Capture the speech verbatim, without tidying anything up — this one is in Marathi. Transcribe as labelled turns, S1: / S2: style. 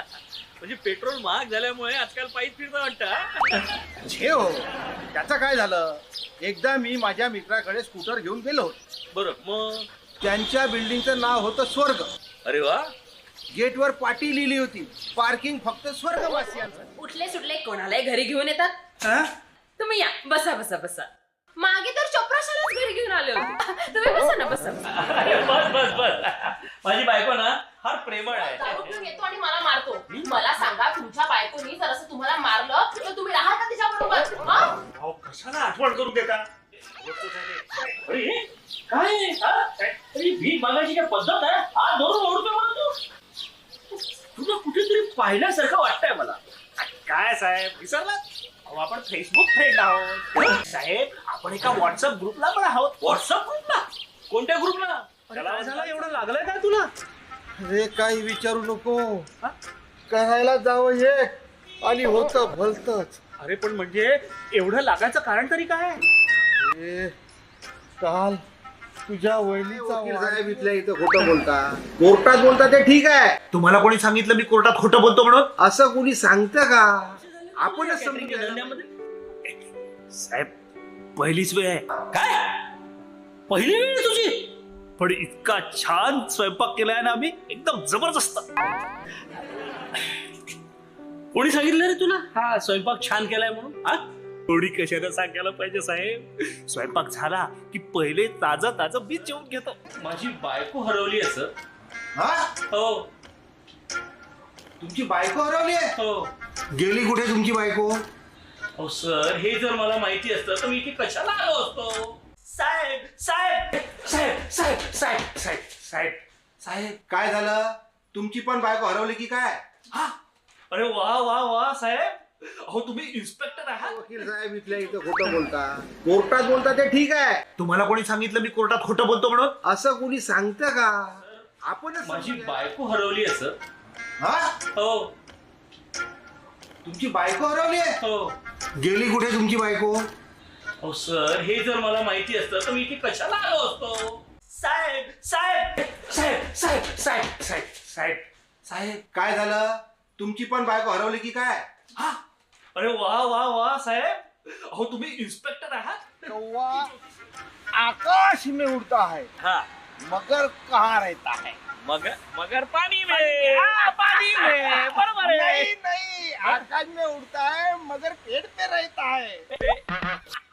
S1: म्हणजे पेट्रोल महाग झाल्यामुळे आजकाल पायीच फिरता वाटतं.
S2: छे हो, त्याचं काय झालं? एकदा मी माझ्या मित्राकडे स्कूटर घेऊन गेलो.
S1: बरं मग.
S2: त्यांच्या बिल्डिंगचं नाव होतं स्वर्ग.
S1: अरे वा.
S2: गेटवर पाटी लिहिली होती, पार्किंग फक्त स्वर्गवासियांसाठी.
S3: उठले सुटले कोणालाही घरी घेऊन येतात.
S2: हा?
S3: तुम्ही या, बसा बसा बसा. मागे तर चोप्राशालाच घरी घेऊन आले होते. तुम्ही बसा ना, बसा बसा.
S1: अरे बस बस बस. माझी बायको ना फार प्रेमळ आहे.
S3: दारू पिऊन येतो आणि मला मारतो. मला सांगा, तुमच्या बायकोनी जर असं तुम्हाला मारलं तर तुम्ही राहाल का तिच्या बरोबर?
S1: अहो कशाला आठवण करून देता? अरे काय हा? अरे भीक मागायची काय पद्धत आहे? हा धरून ओढतो मला तू. तुला कुठेतरी पाहिल्यासारखं वाटतंय मला.
S4: काय साहेब विसरला? अहो आपण फेसबुक फ्रेंड आहोत. साहेब आपण एका व्हॉट्सअप ग्रुपला पण आहोत.
S1: व्हॉट्सअप ग्रुपला? कोणत्या ग्रुपला?
S4: काय झालं, एवढं लागलंय काय तुला?
S2: अरे काही विचारू नको. करायला जावं हे आणि होतं भलतच.
S4: अरे पण म्हणजे एवढं लागायचं कारण तरी काय?
S2: अरे, काल तुझ्या वहिनीचा वकील साहेब इथल्या इथं खोटं बोलता. कोर्टात बोलता ते ठीक आहे.
S4: तुम्हाला कोणी सांगितलं मी कोर्टात खोटं बोलतो म्हणून?
S2: असं कोणी सांगतं का? आपणच समजून
S1: कॅटरिंगच्या
S2: घ्यायला.
S1: धंद्यामध्ये?
S4: साहेब पहिलीच वेळ आहे.
S1: काय पहिली वेळ आहे तुझी?
S4: पण इतका छान स्वयंपाक केलाय ना आम्ही, एकदम जबरदस्त.
S1: कोणी सांगितलं रे तुला हा स्वयंपाक छान केलाय म्हणून? हा
S4: थोडी कशाला सांगायला पाहिजे साहेब? स्वयंपाक झाला की पहिले ताजं ताजं बीच जेवून घेतो.
S1: माझी बायको हरवली असं.
S2: हा?
S1: हो
S2: तुमची बायको हरवली आहे?
S1: हो.
S2: गेली कुठे तुमची बायको?
S1: अहो सर, हे जर मला माहिती असतं तर मी इथे कशाला आलो असतो?
S4: साहेब साहेब साहेब साहेब साहेब साहेब साहेब साहेब
S2: काय झालं? तुमची पण बायको हरवली की काय?
S4: हा अरे वा वा वा साहेब, अहो तुम्ही इन्स्पेक्टर आहात?
S2: वकील साहेब इथल्या इथं खोटं बोलता. कोर्टात बोलता ते ठीक आहे.
S4: तुम्हाला कोणी सांगितलं मी कोर्टात खोटं बोलतो म्हणून?
S2: असं कोणी सांगतं का? आपणच
S1: माझी
S2: समजून घ्या.
S1: बायको हरवली असं.
S2: हा?
S1: हो
S2: तुमची बायको हरवली आहे?
S1: हो.
S2: गेली कुठे तुमची बायको?
S1: अहो सर, हे जर मला माहिती असतं तर मी इथे कशाला आलो असतो?
S4: साहेब साहेब साहेब साहेब साहेब साहेब साहेब साहेब
S2: काय झालं? तुमची पण बायको हरवली की काय?
S4: हा अरे वा वा वा साहेब, अहो तुम्ही इन्स्पेक्टर आहात?
S2: कौवा आकाश में उड़ता है,
S1: हा
S2: मगर कहाँ रहता है?
S1: मगर मगर पाणी में.
S4: हा, पाणी में. बरोबर आहे.
S2: नहीं नहीं, आकाश में उड़ता है मगर पेड़ पे रहता है.